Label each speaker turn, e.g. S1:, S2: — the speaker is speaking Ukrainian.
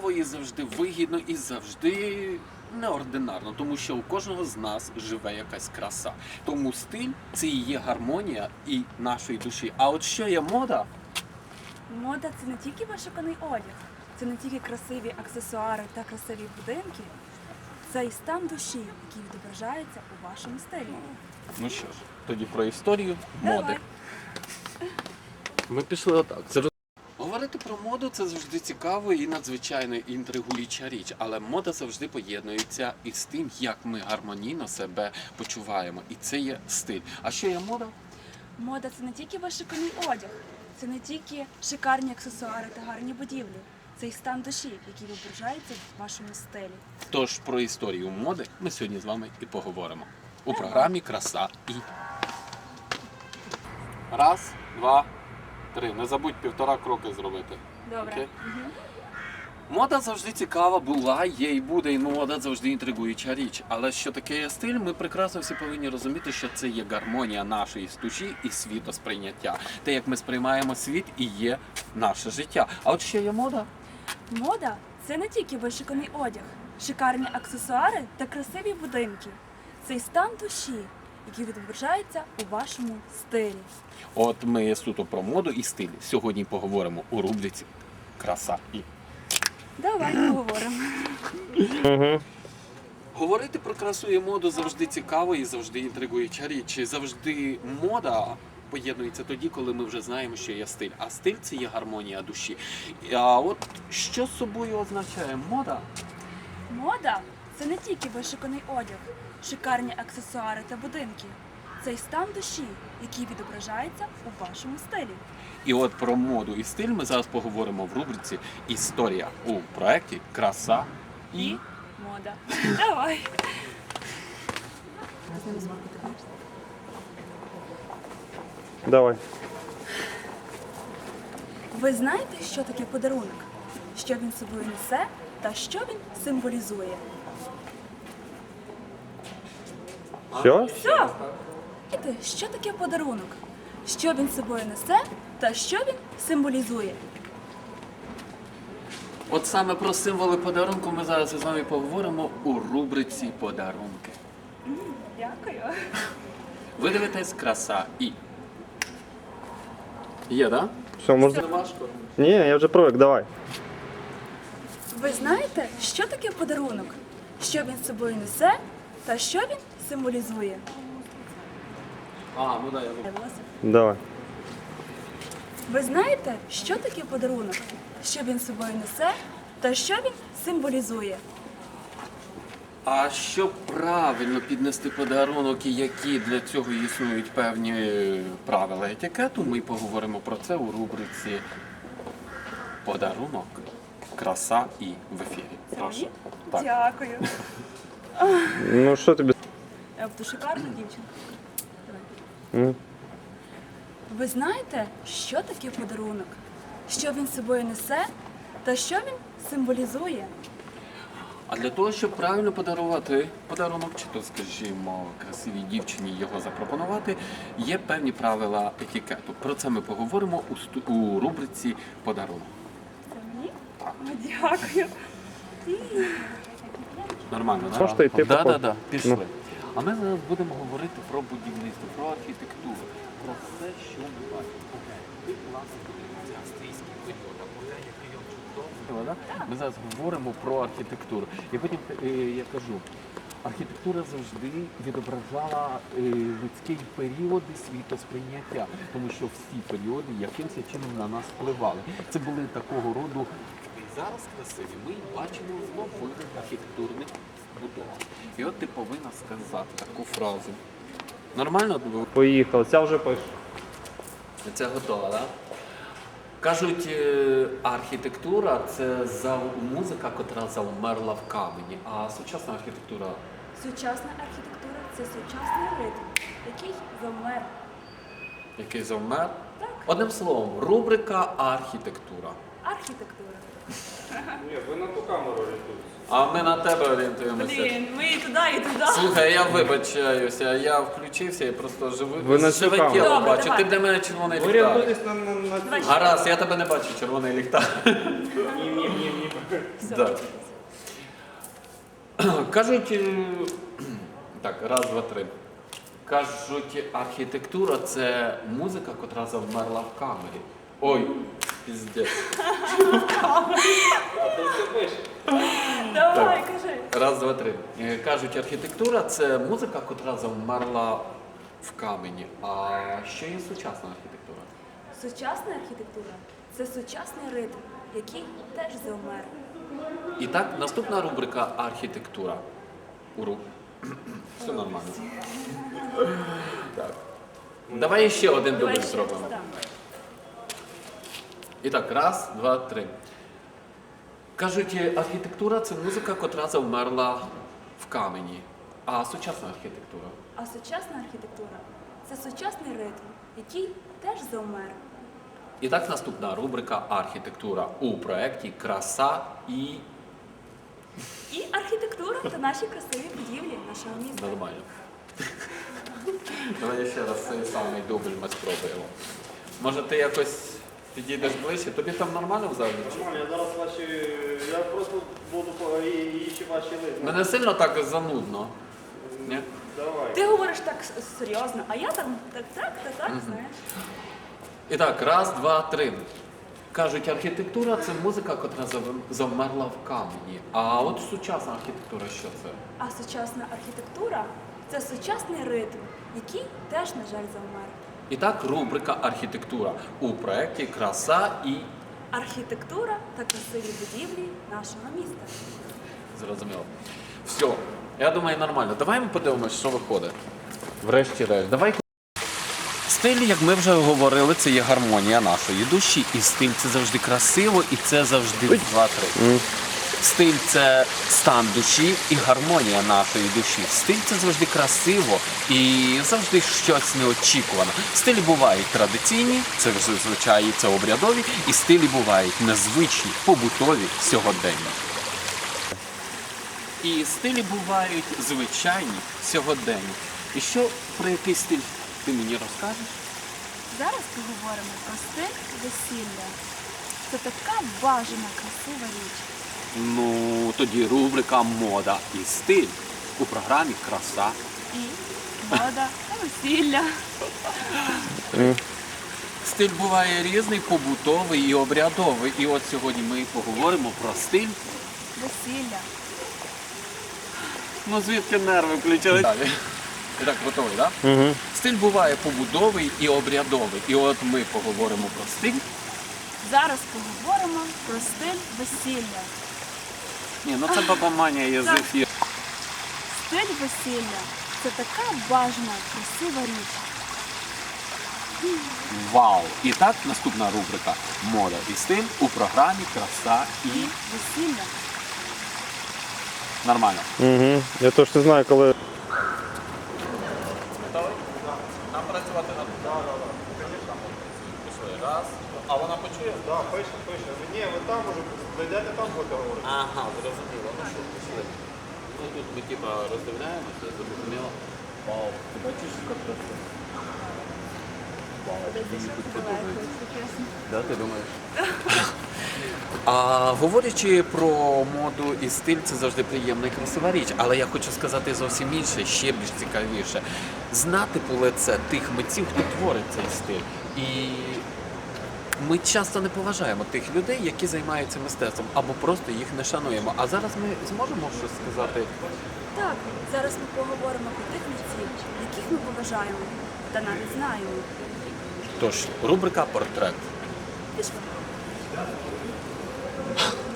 S1: цікаво, і завжди вигідно, і завжди неординарно, тому що у кожного з нас живе якась краса. Тому стиль – це і є гармонія і нашої душі. А от що є мода?
S2: Мода – це не тільки вишуканий одяг, це не тільки красиві аксесуари та красиві будинки. Це і стан душі, який відображається у вашому стилі.
S1: Ну що ж, тоді про історію моди.
S2: Давай.
S1: Ми пішли отак. Говорити про моду – це завжди цікаво і надзвичайно інтригуюча річ, але мода завжди поєднується із тим, як ми гармонійно себе почуваємо. І це є стиль. А що є мода?
S2: Мода – це не тільки вишуканий одяг, це не тільки шикарні аксесуари та гарні будівлі. Це і стан душі, який відображається в вашому стилі.
S1: Тож про історію моди ми сьогодні з вами і поговоримо. У програмі «Краса і». Раз, два, три. Не забудь 1,5 кроки зробити.
S2: Добре.
S1: Окей? Мода завжди цікава була, є і буде, і мода завжди інтригуюча річ. Але що таке є стиль, ми прекрасно всі повинні розуміти, що це є гармонія нашої душі і світосприйняття. Те, як ми сприймаємо світ, і є наше життя. А от що є мода?
S2: Мода – це не тільки вишуканий одяг, шикарні аксесуари та красиві будинки. Це і стан душі, який відображається у вашому стилі.
S1: От ми суто про моду і стиль. Сьогодні поговоримо у рубриці «Краса і».
S2: Давай поговоримо.
S1: Говорити про красу і моду завжди цікаво і завжди інтригуюча річ. І завжди мода поєднується тоді, коли ми вже знаємо, що є стиль. А стиль – це є гармонія душі. А от що собою означає мода?
S2: Мода – це не тільки вишуканий одяг, шикарні аксесуари та будинки. Це й стан душі, який відображається у вашому стилі.
S1: І от про моду і стиль ми зараз поговоримо в рубриці «Історія» у проєкті «Краса і».
S2: Мода. Давай.
S3: Давай.
S2: Ви знаєте, що таке подарунок? Що він собою несе та що він символізує?
S3: Все?
S2: Все! Знаєте, що таке подарунок? Що він собою несе та що він символізує?
S1: От саме про символи подарунку ми зараз із вами поговоримо у рубриці «Подарунки».
S2: Дякую.
S1: Ви дивитесь «Краса і». Є, так?
S3: Все, можна?
S1: Не важко.
S3: Ні, я вже привик, давай.
S2: Ви знаєте, що таке подарунок? Що він собою несе та що він символізує?
S1: Ну да, я
S3: Давай.
S2: Ви знаєте, що таке подарунок? Що він собою несе та що він символізує?
S1: А щоб правильно піднести подарунок і які для цього існують певні правила етикету, ми поговоримо про це у рубриці «Подарунок, краса і» в ефірі. Прошу. Так.
S2: Дякую.
S3: Ну що тобі?
S2: Буду шикарна дівчинка.
S3: М?
S2: Ви знаєте, що таке подарунок? Що він собою несе та що він символізує?
S1: А для того, щоб правильно подарувати подарунок, чи то, скажімо, красивій дівчині його запропонувати, є певні правила етикету. Про це ми поговоримо у рубриці «Подарунок».
S2: Це мені? Дякую.
S1: Нормально, так?
S3: Можете йти по ходу?
S1: Так, пішли.
S3: Ну.
S1: А ми зараз будемо говорити про будівництво, про архітектуру, про все, що ми бачимо. І, власне, подивіться австрійський період, який він чудовий. Ми зараз говоримо про архітектуру. І потім я кажу, архітектура завжди відображала людські періоди світосприйняття, тому що всі періоди якимось чином на нас впливали. Це були такого роду. І зараз красиві ми бачимо в нових архітектурних будовах. І от ти повинна сказати таку фразу. Нормально?
S3: Поїхали, ця вже пише.
S1: Це готово, так? Кажуть, архітектура – це музика, котра завмерла в камені, а сучасна архітектура
S2: Сучасна архітектура – це сучасний ритм, який завмер.
S1: який завмер?
S2: Так.
S1: Одним словом, рубрика «Архітектура».
S2: Архітектура.
S3: Ні, ви на ту камеру орієнтуєтесь.
S1: А ми на тебе орієнтуємося.
S2: Блін, ми і туди, і туди.
S1: Слухай, я вибачаюся, я включився і просто
S3: Ви на
S1: живе
S3: цікаво.
S1: тіло
S2: Добре,
S1: бачу.
S2: давай.
S1: Ти для мене червоний
S3: Ви
S1: ліхтар.
S3: орієнтуєтесь на
S1: Гаразд, я тебе не бачу, червоний ліхтар.
S3: Ні.
S2: Все,
S1: Да.
S2: вчитися.
S1: Кажуть, так, раз, два, три. Кажуть, архітектура це музика, котра завмерла в камері. Ой, піздець.
S3: А ти все пишеш?
S2: Давай, кажи.
S1: Раз, два, три. Кажуть, архітектура це музика, котра завмерла в камені. А що є сучасна архітектура?
S2: Сучасна архітектура це сучасний ритм, який теж завмер.
S1: І так, наступна рубрика архітектура. Все нормально. Так. Давай ще один дубль
S2: Давай ще
S1: зробимо.
S2: раз, так.
S1: І так, раз, два, три. Кажуть, архітектура це музика, котра завмерла в камені. А сучасна архітектура?
S2: А сучасна архітектура це сучасний ритм, який теж завмер.
S1: І так, наступна рубрика архітектура у проєкті Краса і
S2: І архітектура та наші красиві будівлі нашого міста.
S1: нормально. Давай ще раз цей самий дубль ми спробуємо. Може ти якось підійдеш ближче? Тобі там нормально в залі? чи?
S3: Нормально, я зараз я просто буду їсти ваші листи.
S1: Мене сильно так занудно. Ні?
S3: Давай.
S2: Ти говориш так серйозно, а я там так, знаєш.
S1: І так, раз, два, три. Кажуть, архітектура це музика, котра завмерла в камені. А от сучасна архітектура що це?
S2: А сучасна архітектура це сучасний ритм, який теж, на жаль, завмер.
S1: І так, рубрика архітектура у проєкті Краса і
S2: Архітектура та красиві будівлі нашого міста.
S1: зрозуміло. Все, я думаю, нормально. Давай ми подивимось, що виходить. Врешті-решт. Давай. Стиль, як ми вже говорили, це є гармонія нашої душі. І стиль це завжди красиво, і це завжди два-три. Стиль це стан душі і гармонія нашої душі. Стиль це завжди красиво і завжди щось неочікуване. Стилі бувають традиційні, це зазвичай це обрядові, і стилі бувають незвичні, побутові, сьогоденні. І стилі бувають звичайні, сьогоденні. І що про який стиль ти мені розкажеш?
S2: Зараз поговоримо про стиль весілля. Це така бажана, красива річ.
S1: Ну, тоді рубрика «Мода і стиль» у програмі «Краса».
S2: І мода та весілля.
S1: Стиль буває різний, побутовий і обрядовий. І от сьогодні ми поговоримо про стиль.
S2: Весілля.
S1: Ну, звідки нерви включили? Далі. І так, готовий, так? Да? Стиль буває побутовий і обрядовий. І от ми поговоримо про стиль.
S2: Зараз поговоримо про стиль весілля.
S1: Ні, ну це баба Маня є з ефіру.
S2: Стиль весілля це така бажана, красива річ.
S1: Вау! І так, наступна рубрика «Мода і стиль» у програмі «Краса і...»
S2: І весілля.
S1: Нормально.
S3: Угу. Я точно знаю, коли.
S1: Готовий? Нам працювати на пішли. Раз. А вона почує?
S3: Так, пише. Ні, ви там уже дойдете, там будете говорити.
S1: Ага, зрозуміло. Ну що, пішли. Ну тут ми типа роздивляємося, зрозуміло. Вау, ти бачиш, як красиво? Вау, мені тут подобається. Да, ти думаєш? А говорячи про моду і стиль, це завжди приємна і красива річ. Але я хочу сказати зовсім інше, ще більш цікавіше. Знати по лице тих митців, хто творить цей стиль. І ми часто не поважаємо тих людей, які займаються мистецтвом, або просто їх не шануємо. А зараз ми зможемо щось сказати.
S2: Так, зараз ми поговоримо про тих митців, яких ми поважаємо та навіть знаємо.
S1: Тож, рубрика «Портрет».
S2: Пішли.